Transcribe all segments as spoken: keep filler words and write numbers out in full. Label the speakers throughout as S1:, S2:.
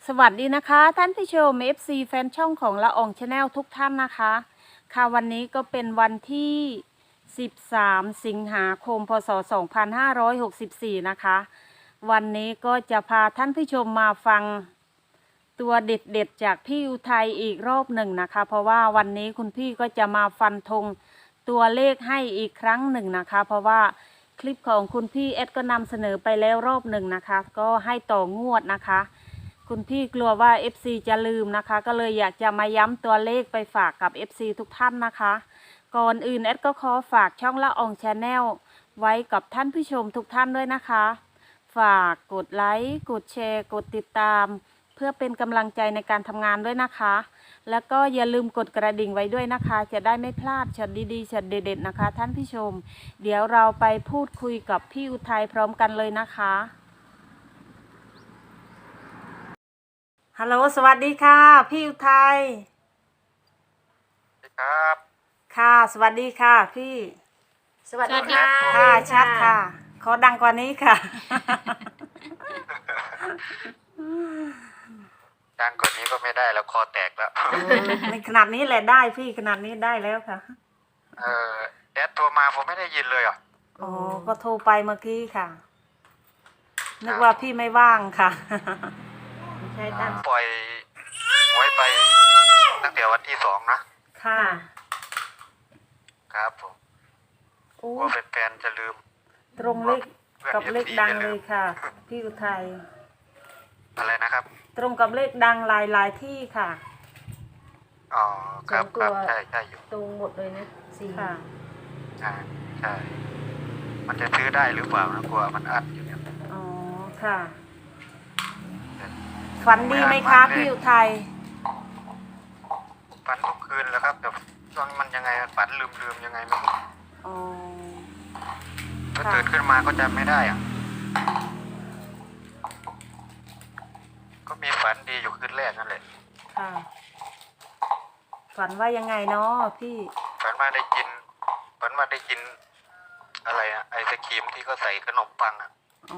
S1: สวัสดีนะคะท่านผู้ชม เอฟ ซี แฟนช่องของละอองชาแนลทุกท่านนะคะค่ะวันนี้ก็เป็นวันที่ สิบสาม สิงหาคม พ.ศ. สองพันห้าร้อยหกสิบสี่ นะคะวันนี้ก็จะพาท่านผู้ชมมาฟังตัวเด็ดๆจากพี่อุทัยอีกรอบหนึ่งนะคะเพราะว่าวันนี้คุณพี่ก็จะมาฟันธงตัวเลขให้อีกครั้งหนึ่งนะคะเพราะว่าคลิปของคุณพี่เอสก็นำเสนอไปแล้วรอบหนึ่งนะคะก็ให้ต่องวดนะคะคุณพี่กลัวว่า เอฟ ซี จะลืมนะคะก็เลยอยากจะมาย้ำตัวเลขไปฝากกับ เอฟ ซี ทุกท่านนะคะก่อนอื่นเอสก็ขอฝากช่องละอองชาแนลไว้กับท่านผู้ชมทุกท่านด้วยนะคะฝากกดไลค์กดแชร์กดติดตามเพื่อเป็นกำลังใจในการทำงานด้วยนะคะแล้วก็อย่าลืมกดกระดิ่งไว้ด้วยนะคะจะได้ไม่พลาดช็อตดีๆช็อตเด็ดๆนะคะท่านผู้ชมเดี๋ยวเราไปพูดคุยกับพี่อุทัยพร้อมกันเลยนะคะฮัลโหลสวัสดีค่ะพี่อุทัย
S2: ครับ
S1: ค่ะสวัสดีค่ะพี่
S3: สวัสดีค่ะ
S1: ค่ะชัดค่ะขอดังกว่านี้ค่ะ
S2: ดังกว่านี้ก็ไม่ได้แล้วคอแตกแล้ว
S1: ในขนาดนี้แหละได้พี่ขนาดนี้ได้แล้วค่ะ
S2: เออแอดโทรมาผมไม่ได้ยินเลยอ่ะ
S1: อ๋อก็โทรไปเมื่อกี้ค่ะนึกว่าพี่ไม่ว่างค่ะ
S3: ใช่ตั้ง
S2: ปล่อยไว้ไปตั้งแต่วันที่สองนะ
S1: ค่ะ
S2: ครับผม
S1: โอ้
S2: กลัวแฟนๆจะลืม
S1: ตรงเลขกับเลขดังเลยค่ะพี่อุทัย
S2: อะไรนะครับ
S1: ตรงกับเลขดังหลายหลายที่ค่ะ
S2: อ๋อครับครับใช่ใช่อยู่
S3: ตรงหมดเลยนะสี่
S1: ค่ะ
S2: ใช่ใช่มันจะซื้อได้หรือเปล่านะกลัวมันอัดอยู่เนี่ย
S1: อ๋อค่ะฝันดีไหมคะพี่อุทัย
S2: ฝันทุกคืนแล้วครับแต่ช่วงมันยังไงฝันลืมลืมยังไงไม่รู้
S1: อ๋อ
S2: ถ้าตื่นขึ้นมาก็จำไม่ได้อ่ะก็มีฝันดีอยู่คืนแรกนั่นแหละ
S1: ค่ะฝันว่ายังไงเนาะพี่
S2: ฝันว่าได้กินฝันว่าได้กินอะไรอะไอศครีมที่เขาใส่ขนมปังอะ
S1: อ๋อ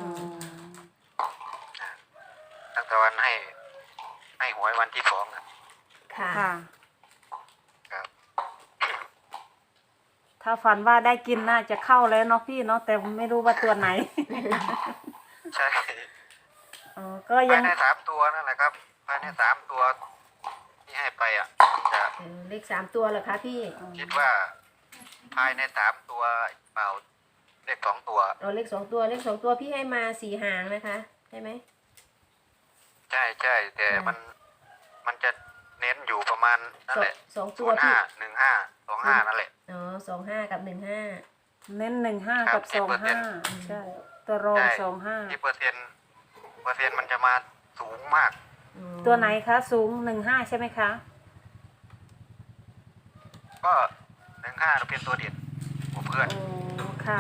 S2: ตั้งแต่วันให้ ให้หวยวันที่สองอะ
S3: ค่ะ
S1: ค่ะ
S2: ครับ
S1: ถ้าฝันว่าได้กินน่าจะเข้าแล้วเนาะพี่เนาะแต่ไม่รู้ว่าตัวไหน
S2: ใช่
S1: อ๋อก็
S2: ภา
S1: ยั
S2: ย
S1: ง
S2: ในสามตัวนั่นแหละครับภายในสามตัวที่ให้ไปอ่ะจะ
S3: เออเลขสามตัวเหรอคะพี่
S2: คิดว่าภายในสามตัวเปล่าเลขสองตัว
S3: เอาเลขสองตัวเลขสองตัวพี่ให้มาสี่หางนะคะใช่ไหม
S2: ใช่ใช่แต่มันมันจะเน้นอยู่ประมาณนั่นแหละ
S3: สองตั
S2: ศู
S3: วน
S2: ย์
S3: พี่
S2: ห้าหนึ่งห้าสองห้านั่นแหละ
S3: อ๋อสองห้ากับหนึ่งห้า
S1: เน้นหนึ่งห้า
S2: ครั
S1: กับบ สองห้า
S2: สิบเปอร์เซ็นต์
S1: ใช่ตัวรอง
S2: ใช่
S1: สองห้า
S2: ที่เปอร์เซ็นต์เปอร์เซ็นต์มันจะมาสูงมาก
S1: ตัวไหนคะสูงหนึ่งห้าใช่ไหมคะ
S2: ก็หนึ่งห้าเป็นตัวเด่นของเพื่อน
S1: โอ้ค่ะ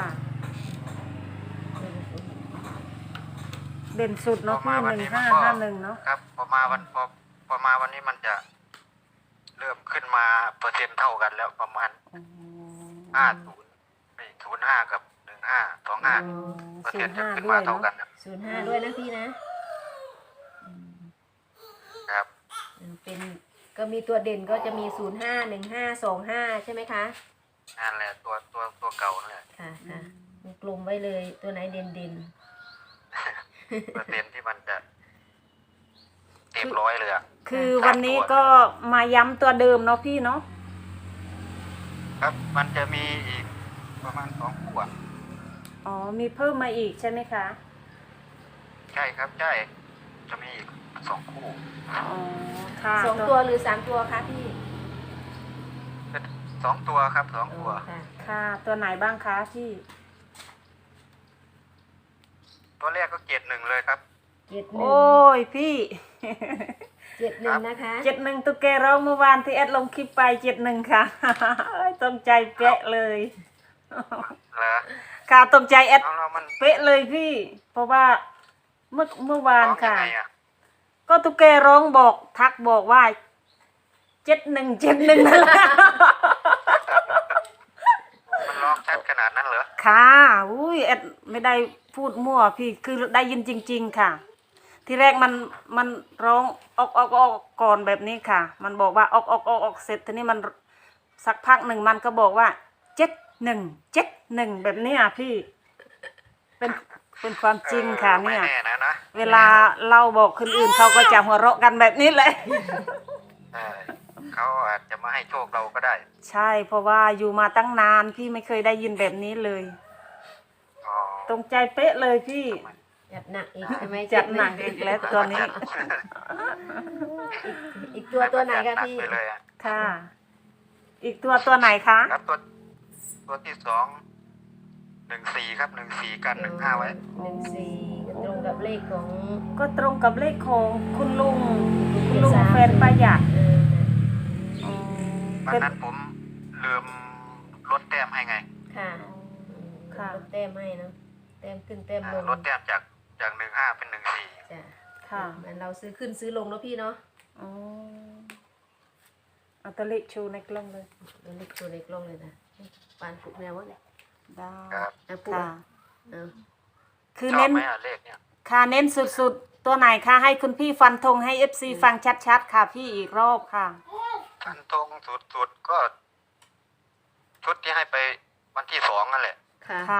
S1: เด่นสุดเนาะพี่หนึ่งห้าห้าหนึ่งเนาะ
S2: ครับพอมาวันพอพอมาวันนี้มันจะเริ่มขึ้นมาเปอร์เซ็นต์เท่ากันแล้วประมาณ
S1: อ๋อ
S2: ห้าศูนย์ไม่ศูนย์ห้ากับหนึ่งห้าสองห้า
S1: อ๋อ
S2: เปอร์
S1: ศู
S2: เซ็น
S1: น
S2: ต์
S1: ย์
S2: จะ
S1: ห้า
S2: ขึ้น
S1: ด้ว
S2: มาย เท่า
S1: เนาะ
S2: กันนะ
S3: ศูนย์ห้าด้วยนะพี่นะครับ เออเป็นก็มีตัวเด่นก็จะมีศูนย์ห้าหนึ่งห้าสองห้าใช่ไหมคะ
S2: นั่นแหละตัวตัวตัวเก่านั่นแหละ
S3: ค่ะค่ะกลมไว้เลยตัวไหนเด่นเด่น
S2: เปอร์เซ็นต์ที่มันจะเต็มร้อยเลยอ่ะ
S1: คือวันนี้ก็มาย้ำตัวเดิมเนาะพี่เนาะ
S2: ครับมันจะมีอีกประมาณสองขวด
S1: อ๋อมีเพิ่มมาอีกใช่ไหมคะ
S2: ใช่ครับใช่จะมีอีกสองคู่
S1: อ๋อค่ะ
S3: สองตัวหรือสามตัวคะพี่
S2: สองตัวครับสองตัว
S3: ค่ะ
S1: ค่ะตัวไหนบ้างคะพี่
S2: ตัวแรกก็เจ็ดหนึ่งเลยครับ
S3: เจ็ดหนึ่ง
S1: โอ้ยพี่
S3: เจ็ดหนึ่งนะคะ
S1: เจ็ดหนึ่งตุ๊กแกร้องเมื่อวานที่แอดลงคลิปไปเจ็ดหนึ่งค่ะ ตรงใจเป๊ะเลย
S2: เหรอ
S1: ค่ะตรงใจแอด
S2: เอาเรามัน
S1: เป๊ะเลยพี่ เพราะว่าเมื่อเมื่อวาน
S2: ร้องยั
S1: ค่ะ
S2: งไงอ่ะ
S1: ก็ตุ๊กแกร้องบอกทักบอกว่าเจ็ดหนึ่งเจ็ดหนึ่งนั่นแหละ
S2: มันร้องชัดขนาดนั้นเหรอ
S1: ค่ะอุ้ยแอดไม่ได้พูดมั่วพี่คือได้ยินจริง ๆ ค่ะที่แรกมันมันร้องออกออกออกก่อนแบบนี้ค่ะ มันบอกว่าออกออกออกออกเสร็จทีนี้มันสักพักหนึ่งมันก็บอกว่าเจ็ดหนึ่งเจ็ดหนึ่งแบบนี้อ่ะพี่ เป็นเป็นความจริงค่ะ
S2: ไม่
S1: เนี่ย
S2: แน่นะนะ
S1: เวลาเราบอกคนอื่นเขาก็จะหัวเราะกันแบบนี้เลย
S2: เออเขาอาจจะมาให้โชคเราก็ได้
S1: ใช่เพราะว่าอยู่มาตั้งนานพี่ไม่เคยได้ยินแบบนี้เลย
S2: อ๋อ
S1: ตรงใจเป๊ะเลยพี่
S3: จัดหนักอีกใช่ไหม
S1: จัดหนักอีกแล้วตอนนี้
S3: อีกตัวตัวไหนคะพี่
S2: จัดหนักไปเลยอะ
S1: ค่ะ อีกตัวตัวไหนคะ
S2: ครับตัวตัวที่สองหนึ่งสี่ครับหนึ่งสี่กันหนึ่งห้าไว้
S3: หนึ่งสี่ตรงกับเลขของ
S1: ก็ตรงกับเลขของคุณลุงคุณลุงแฟนประหยัด
S3: เออ
S1: อ๋อ
S2: วัน
S1: เป็น
S2: นั้นผมลืมลดแต้มให้ไง
S3: ค่ะ
S1: ค่ะ
S3: ลดแต้มให้เนาะแต้มขึ้นแต้ม
S2: อ่า
S3: ลง
S2: ลดแต้มจากจากหนึ่งห้าเป็นหนึ่งสี่
S3: จ้ะ
S1: ค่ะ
S3: เหมือนเราซื้อขึ้นซื้อลงเนาะพี่เนาะ
S1: อ๋อเอาตัวเลขชูในกล้องเลย
S3: ตัวเล็กตัวเล็กลงเลยนะปานปุกแนววะเนี่ย
S1: ได้
S2: ครับ
S3: อ่ะปุก
S1: ค่ะ
S3: อ่ะเอา
S1: คือ
S2: ชอบ
S1: เน้น
S2: ไหมอ่ะเลขเนี่ย
S1: ค่ะเน้นสุดๆ ตัวไหนคะให้คุณพี่ฟันธงให้เอฟซีฟังชัดๆ ค่ะพี่อีกรอบค่ะ
S2: ทันตรงสุดๆก็ ชุดที่ให้ไปวันที่สองนั่นแหละ
S3: ค่ะ
S1: ค่ะ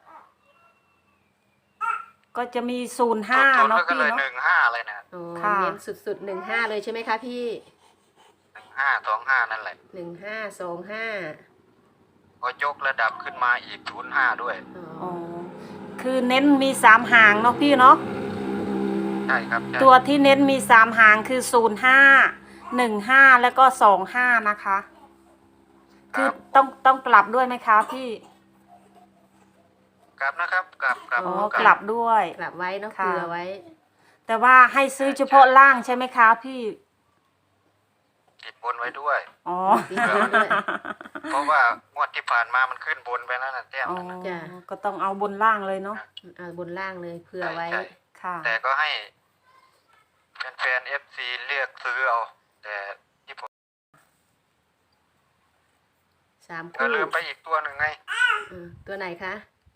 S1: ก็จะมีศูนย์ห้า
S2: สุดๆ
S1: เนาะ
S2: แล้วก็
S1: พี่
S2: เลย
S1: เนาะ
S2: หนึ่งห้าเลยนะ
S3: อ๋อ
S1: ค่ะ
S3: เน้นสุดๆหนึ่งห้าเลยใช่ไหมคะพี่
S2: หนึ่งห้าสองห้านั่นแหละ
S3: หนึ่งห้าสองห้า
S2: ก็ยกระดับขึ้นมาอีกศูนย์ห้าด้วย
S3: อ๋อ
S1: อ๋อคือเน้นมีสามหางเนาะพี่เนาะ
S2: ใช่ครับใช่
S1: ตัวที่เน้นมีสามหางคือศูนย์ห้าหนึ่งห้าแล้วก็สองห้านะคะ คือต้องต้องกลับด้วยไหมคะพี่
S2: กลับนะครับ กลับกลับ
S1: อ๋อกลับด้วย
S3: กลับไว้เนาะ
S1: ค่ะ
S3: เผื่อไว้
S1: แต่ว่าให้ซื้อเฉพาะล่างใช่ไหมคะพี่
S2: ติดบนไว้ด้วย
S1: อ๋อ
S3: ติดบนด้วย
S2: เพราะว่างวดที่ผ่านมามันขึ้นบนไปแล้วนะแต้ม
S1: อ๋อ
S2: นั่นนะ
S3: จ้ะ
S1: ก็ต้องเอาบนล่างเลยเนาะ
S3: เอาบนล่างเลยเผื่อไว้
S2: ใช่
S1: ค่ะ
S2: แต่ก็ให้แฟนๆเอฟซีเรียกซื้อเอา แต่ที่ผม
S3: สาม
S2: ก็
S3: คู่
S2: ลืมไปอีกตัวหนึ่งไง
S3: อืมตัวไหนคะ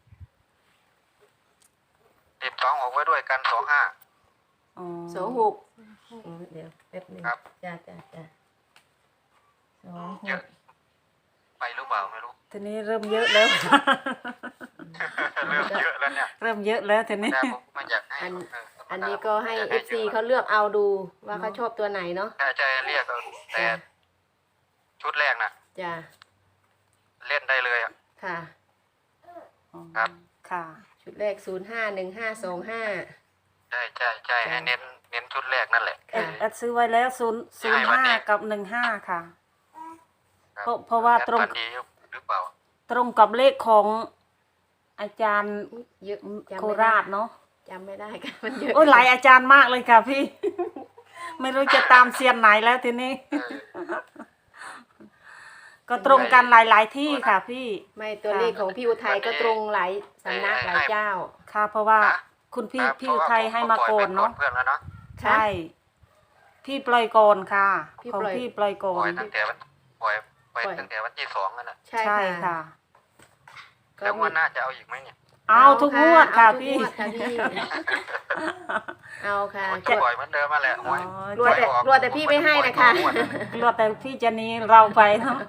S2: ติดสองออกไว้ด้วยกันสองห้า
S1: อ๋อ
S3: สองหกอืมเดี๋ยวแป๊บหนึง
S2: ครับ
S3: จ้าจ้าจ้าสองห
S2: เยอะ
S3: ก
S2: ไปหรือเปล่าไม่รู้
S1: ทีนี้เริ่มเยอะแล้ว
S2: เริ่มเยอะแล้วเนี่ย
S1: เริ่มเยอะแล้วทีนี้
S2: แต่ผมไม่อยากให้
S3: อัน
S2: เธรรมดา
S3: อันนี้ก็ให้
S2: ยา
S3: เอฟซี
S2: ยะ
S3: เขาเลือกเอาดูว่าเขาชอบตัวไหนเนาะ
S2: ใช่ใช่เรียกเอาแต่
S3: จ้ะ
S2: ชุดแรกน่ะ
S3: จ้า
S2: เล่นได้เลยอ่ะ
S3: ค่ะ
S2: ครับ
S1: ค่ะ
S3: ชุดแรกศูนย์ห้าหนึ่งห้าสองห้า
S2: ใช่ใช่ใช่ให้เน้นเน้นชุดแรกนั่นแหละ
S1: แอด
S3: ค่ะ
S1: แอดซื้อไว้แล้วศูนย์ศูนย์ห้ากับหนึ่งห้าค่ะ
S2: คบ
S1: เพราะเพราะว่าตรง
S2: แอดฟันดีหรือเปล่า
S1: ตรงกับเลขของอาจารย์
S3: อุ๊ยเยอะจำ
S1: โค
S3: ไม่ได้
S1: ราชเนาะ
S3: จำไม่ได้ค่ะมันเยอะ
S1: โอ้ยหลายอาจารย์มากเลยค่ะพี่ ไม่รู้จะตามเซียนไหนแล้วทีนี้
S2: เออ
S1: ก็ตรงกันหลาย ๆ ที่ค่ะพี่
S3: ไม่ตัวเลขของพี่อุทัยก็ตรงหลายสำนักหลายเจ้า
S1: ค่ะ เพราะว่า
S2: ฮะ
S1: คุณพี่
S2: ครับ
S1: พี่อุทัยให้มา
S2: เพ
S1: โก
S2: ระว่
S1: น
S2: ผม
S1: เนาะ
S2: ปล่อยไปก่อเพื่อนแล้วเนาะ
S1: ใช่ พี่ปล่อยก่อนค่ะ
S3: พี่
S1: ของ
S3: ปล่อย
S1: พี่ปล่อยก่อ
S2: ปล่อย
S1: น
S2: ตั้งแต่วันปล่อยไป
S3: ปล่อย
S2: ตั้งแต่วันที่สองนั่นแหละ
S3: ใช่
S1: ใช่
S3: ค่ะ
S1: ค่ะ
S3: ก็
S2: แล้วง
S3: มี
S2: วันหน้าจะเอาอีกไหมเนี่ย
S1: เอาทุกงวดค่ะ
S3: เอาทุก
S1: พี่
S3: งวดค่ะพี่ เอาค่ะ
S2: ผมจะปล่อยเหมือนเดิมมาแหละหวย
S1: อ๋อ
S3: รวดแต่
S2: หวยออก
S3: รวดแต่พี่ไม่ให้นะคะ
S2: ผมก็จปล่อยทุกงวด
S1: รอแต่พี่จะหนี้เราไปเนาะ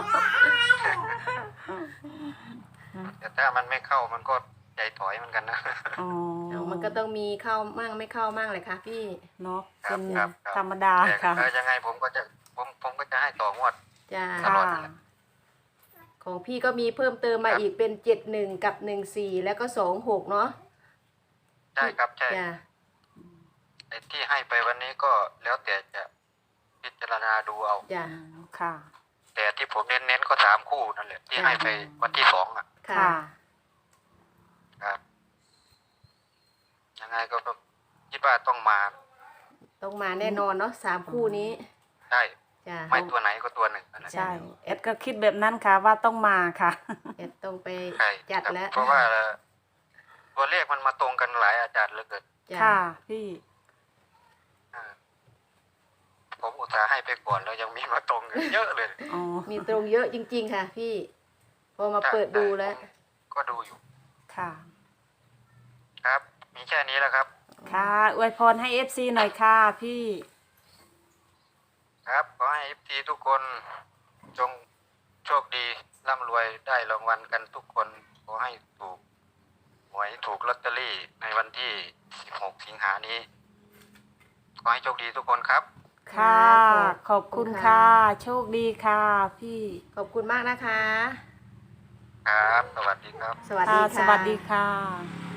S2: แต่ถ้ามันไม่เข้ามันก็ใจถอยเหมือนกันนะ
S1: อ๋อ
S3: เอามันก็ต้องมีเข้ามั่งไม่เข้ามั่งเลยค่ะพี่
S1: เนาะ
S2: ครั
S1: เป็
S2: บ
S1: น
S2: ครับครับ
S1: ธรรมดา
S2: แต่
S1: ค่ะ
S2: เออยังไงผมก็จะผมผมก็จะให้ต่องวด
S3: จ้า
S2: ตลอ
S1: ค่ะ
S2: ดนั่นแหละ
S3: ของพี่ก็มีเพิ่มเติมมา
S2: ครับ
S3: อีกเป็นเจ็ดหนึ่งกับหนึ่งสี่แล้วก็สองหกเนาะ
S2: ใช่ครับใช่
S3: จ้า
S2: ไอ้ที่ให้ไปวันนี้ก็แล้วแต่จะพิจารณาดูเอา
S3: จ้า
S1: ค่ะ
S2: แต่ที่ผมเน้นๆก็สามคู่นั่นแหละที่ให้ไปวันที่สองอ่ะ
S3: ค่ะ
S1: ค่ะ
S2: ครับ ยังไงก็คิดว่าต้องมา
S3: ต้องมาแน่นอนเนาะสามคู่นี้
S2: ใช่
S3: จ้า
S2: ไม่ตัวไหนก็ตัวหนึ่งนั่นแหละ
S1: ใช่เอ็ดก็คิดแบบนั้นค่ะว่าต้องมาค่ะ
S3: เอ็ดต้องไป
S2: ใช่
S3: จัด
S2: ครับ
S3: แล้ว
S2: เพราะว่าตัวเลขมันมาตรงกันหลายอาจารย์เหลือเกิน
S3: จ้า
S1: ค่ะพี่
S2: อ่าผมอุตส่าห์ให้ไปก่อนแล้วยังมีมาตรงกันเยอะเลย
S1: อ๋อ
S3: มีตรงเยอะจริง ๆ ค่ะ พี่ พอมาเปิดดูแล้ว
S2: ก็ดูอยู่
S1: ค่ะ
S2: ครับ มีแค่นี้แหล้วครับ
S1: ค่ะอวยพรให้ เอฟ ซี หน่อยค่ะพี่
S2: ครับขอให้เอฟทีทุกคนจงโชคดีร่ำรวยได้รางวัลกันทุกคนขอให้ถูกหวยถูกลอตเตอรี่ในวันที่สิบหกสิงหานี้ขอให้โชคดีทุกคนครับ
S1: ค่ะ ขอบคุณค่ะ โชคดีค่ะพี่
S3: ขอบคุณมากนะคะ
S2: ครับ สวัสดีครับ
S3: สวัส
S1: ค่ะ
S3: ดี
S1: ส
S3: ค่ะ
S1: วัสดีค่ะ